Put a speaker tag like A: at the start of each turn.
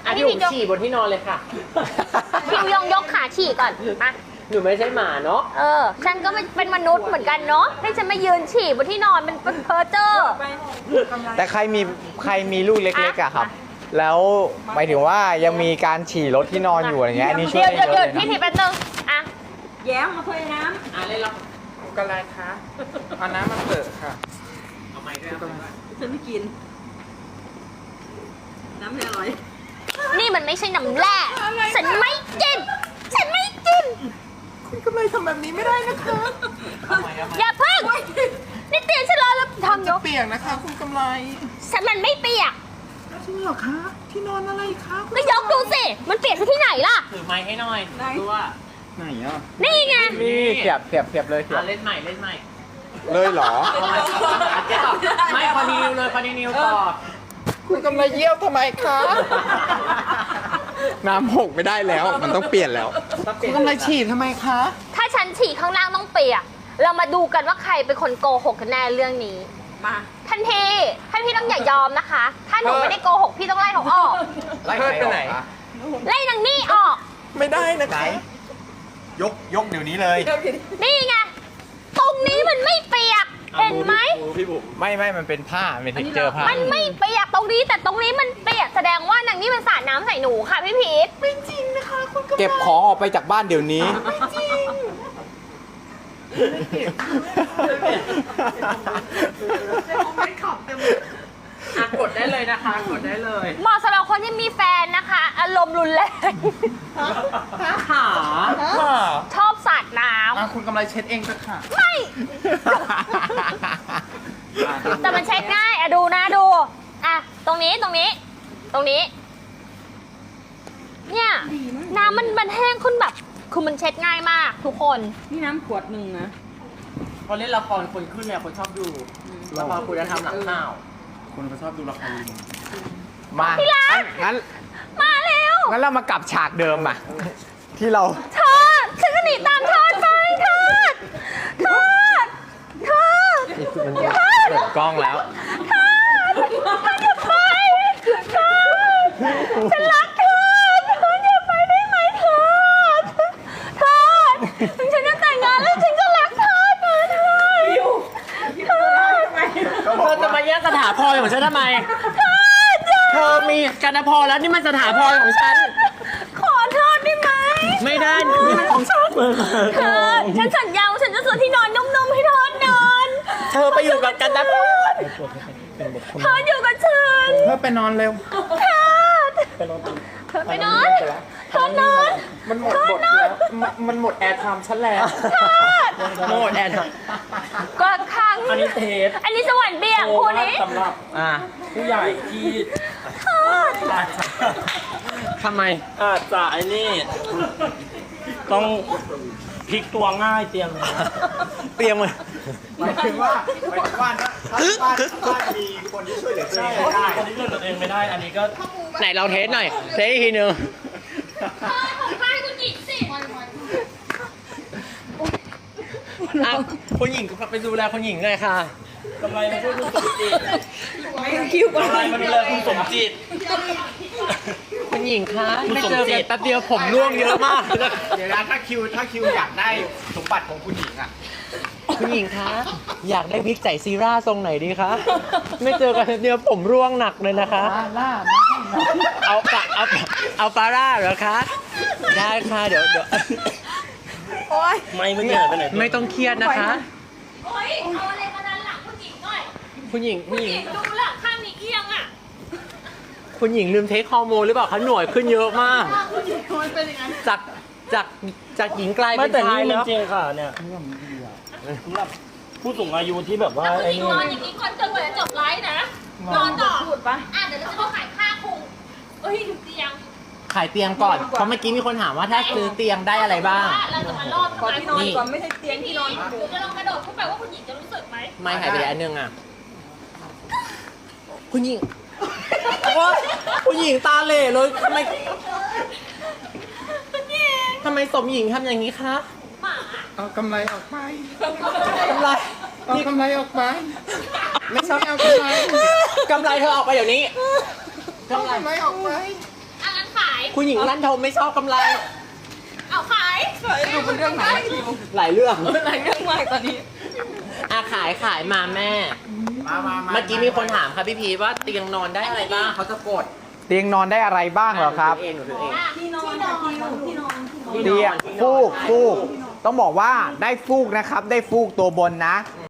A: อันนี้ผมฉี่บนที่นอนเลยค่ะ
B: พิวยองยกขาฉี่ก่อนมา
A: หนูไม่ใช่หมาเนาะ
B: ฉันก็เป็นมนุษย์เหมือนกันเนาะให้ฉันมายืนฉี่บนที่นอนมันเพ้อเจ้อ
C: แต่ใครมีลูกเล็กๆอะครับ แล้วหมายถึงว่ายังมีการฉี่รถที่นอนอยู่อะไรเงี้ยอันนี้ช่วยได้เยอะ
B: เดี๋ยว
C: เลย
B: พี่
C: นะ
B: ทีแป๊บนึงอ่ะ
D: แย้มมาเพยน้
A: เล่นละ
E: กันอะไรคะเอาน้ำมาเปิดค่ะ
A: เอาไม้ด้วยเอาไม้ด้วย
D: ำฉันไม่กิน น้ำไม่อร่อย
B: นี่มันไม่ใช่น้ำแร่ฉันไม่กินฉันไม่กิน
E: คุณกำไรทำแบบนี้ไม่ได้นะคะ
B: อย่าเพิ่งนี่เตียงฉันแล้วทำย
E: จะ
B: ก
E: เปียกนะคะ คุณกำไร
B: ฉันมันไม่เปียก
E: จริงเหรอคะที่นอนอะไรคะ
B: ก็ยกดูสิมันเปียกที่ไหนล่ะ
A: ถือไม้ให้หน่อยตัว
E: ไหนอ่ะ
B: นี่ไง
C: นี่เสียบเลยเสียบ
A: เล่นใหม่เล่นใหม่
C: เลยเหรอ
A: เจ๊ตอบไม่คอนดิวเลยคอนดิวต่อ
E: คุณกำไรเยี่ยวทำไมคะ
C: น้ำหกไม่ได้แล้ว มันต้องเปลี่ยนแล้ว
E: คุณกำไรฉี่ทำไมคะ
B: ถ้าฉันฉี่ข้างล่างต้องเปียกเรามาดูกันว่าใครเป็นคนโกหกกันแน่เรื่องนี้
D: มา
B: ท่านพี่ต้องอย่ายอมนะคะ ถ้าหนูไม่ได้โกหกพี่ต้องไล่เขาออก
C: ไล่ใครออกอะ
B: ไล่นางนี่ออก
E: ไม่ได้นะ
C: ไหน
E: คะ
C: ยกเดี๋ยวนี้เลย
B: นี่ไง ตรงนี้มันไม่เปียก เห็นไหม
C: ไม่มันเป็นผ้าเป็นเท็กเจอร์ผ้า
B: มันไม่เปียกตรงนี้แต่ตรงนี้มันเปียกแสดงว่านางนี่มันสาดน้ำใส่หนูค่ะพี่พีท
E: ไม่จริงนะคะคุณกำไร
C: เก็บของออกไปจากบ้านเดี๋ยวนี้
E: ไม่ขับเต็ม
A: กดได้เลยนะคะกดได้เลย
B: เหมาะสำหรับคนที่มีแฟนนะคะ อารมณ์รุนแรง
A: ขา
B: ชอบสาดน้
E: คุณกำไรเช็ดเองเถอะค่ะ
B: ำไม่แต่มันเช็ดง่ายอะดูนะดูอะตรงนี้เนี่ยน้ำมันแห้งขึ้นแบบคือมันเช็ดง่ายมากทุกคน
D: นี่น้ำขวดหนึ่งนะ
A: พอเล่นละครคนขึ้นเนี่ยคนชอบดูละครคุณธรรมหลังข่าว
E: คนก็ชอบดูละครลิง
C: มา
B: พี่รัก
C: งั้น
B: มาเร็ว
C: งั้นเรามากลับฉากเดิมอ่ะ ที่เรา
B: เธอฉันก็หนีตามเธอไปเธอ
C: เปิดกล้องแล้ว
B: ฉันรักเธออย่าไปได้ไหมเธอถึงฉันจะแต่งงานแล้วฉันก็รักเธอเธอ
A: เธอจะมาแย่งสถาพรของฉันทำไม เธอมีกันพรแล้วนี่มันสถาพรของฉัน
B: ขอโทษได้ไหม
A: ไม่ได้นี่มันของฉัน
B: เธอฉันสัญญาว่าฉันจะซื้อที่นอนนุ่มๆให้เธอนอน
A: เธอไปอยู่กับกันพร
B: เธออยู่กับฉัน
E: เพื่อไปนอนเร็ว
B: เธอไปนอนเธอนอน
E: มันหมดบทแล้ว มันหมดแอร์ไทม์ฉันแล้ว
A: โมดแอน
B: ก็ครั้ง
A: อันนี้เทป
B: อันนี้สวรรค์เบี่ยงคู่นี้
A: สำหรับผู้ใหญ่ที่ทำไม
F: อาจจะไอ้นี่ ต้องพลิกตัวง่ายเตรียมเลยนะ
C: เตรียมเลย
E: หมายถึงว่าถ้าบ้านมีคนที่ช่วยเหลือตัวเองได้
F: อันนี้เรื่องตัวเองไม่ได้ อันนี้ก็
A: ไหนเราเทสหน่อย เทสอีกทีนึง
B: ของข้าคุณหญิงสิ
A: คุณหญิงไปดูแลคุณหญิงเลยค่ะ
F: กำไรมาช่วยคุณสมจิต
D: ไม่คิวก่อน
F: กำไรมาดูแลคุณสมจิต
A: คุณหญิงคะ
F: คุณ
A: ไม่
F: สม
A: เจอ
F: จิ
A: กัน
F: ต
A: แป๊บเดียวผมร่วงเยอะมาก
E: เดี๋ยวนะถ้าคิวอยากได้สมบัติของคุณหญิงอ่ะ
A: คุณหญิงคะ อยากได้วิกใส่ซีร่าทรงไหนดีคะ ไม่เจอกันแป๊บเดียวผมร่วงหนักเลยนะคะ เอาฟาร่าเหรอคะ ได้ค่ะเดี๋ยว
F: ไม่เมื่อกี้หายไปไหนตัว
A: ไม่ต้องเครียดนะคะ
B: โอ๊ยเอาอะไรมาดันหลังคุณหญิงหน่อย
A: คุณหญิง
B: ดูหลังข้างนี้เอียงอ่ะ
A: คุณหญิงลืมเทคฮอร์โมนหรือเปล่าคะหน่วยขึ้นเยอะมาก จากจากหญิงกลาย
F: ไม่
A: เป็น
F: แต่
A: ชาย
F: นี่มั
A: แล้
F: น
A: ว
F: จริงค่ะเนี่ยสำหรับผู้สูงอายุที่แบบว่า
B: แล้วคุณ
F: ไอ้
B: หญิง
F: นี่
B: นอนอย่างนี้ก่อนจนกว่าจะจบไลฟ์นะ นอนต่อ
D: พูดปะ
B: เดี๋ยวเราจะมาขายค่าคุงเอ้ยเตียง
A: ขายเตียงก่อน เพราะเมื่อกี้มีคนถามว่าถ้าซื้อเตียงได้อะไรบ้าง
B: เราจะมารอบ
D: ขอที่นอนก่อนไม่ใช่เตียงที่นอน
B: หรือจะลองกระโดดขึ้นไปว่าคุณหญิงจะรู้สึกไหม
A: ไม่หายไปอันนึงอ่ะ คุณหญิงโอ๊ยคุณหญิงตาเหล่เลยทำไมสมหญิงทำอย่างนี้คะ
B: หมา
E: เอากำไรออกไป
A: กำไร
E: เอากำไรออกไป ไม่ใช่เอากำไร
A: กำไรเธอออกไปเดี๋ยวนี้
E: เอากำไรออกไป
B: อ่ะงั้น
A: คุณหญิงลั่นทมไม่ชอบกำไร
B: เอาขาย
D: ดูเป็นเรื่องไหนคิว
A: หลายเรื่อง
D: หลายเรื่องมากตอนนี้
A: ขายมาแม่ เมื่อกี้มีคนถามครับพี่พีชว่าเตียงนอนได้อะไรบ้างเขาจะกด
C: เตียงนอนได้อะไรบ้างเหรอครับ
A: หนูถือเอง
D: ที่นอนค่ะคิวที่นอน
C: เตียงฟูกต้องบอกว่าได้ฟูกนะครับ ได้ฟูกตัวบนนะ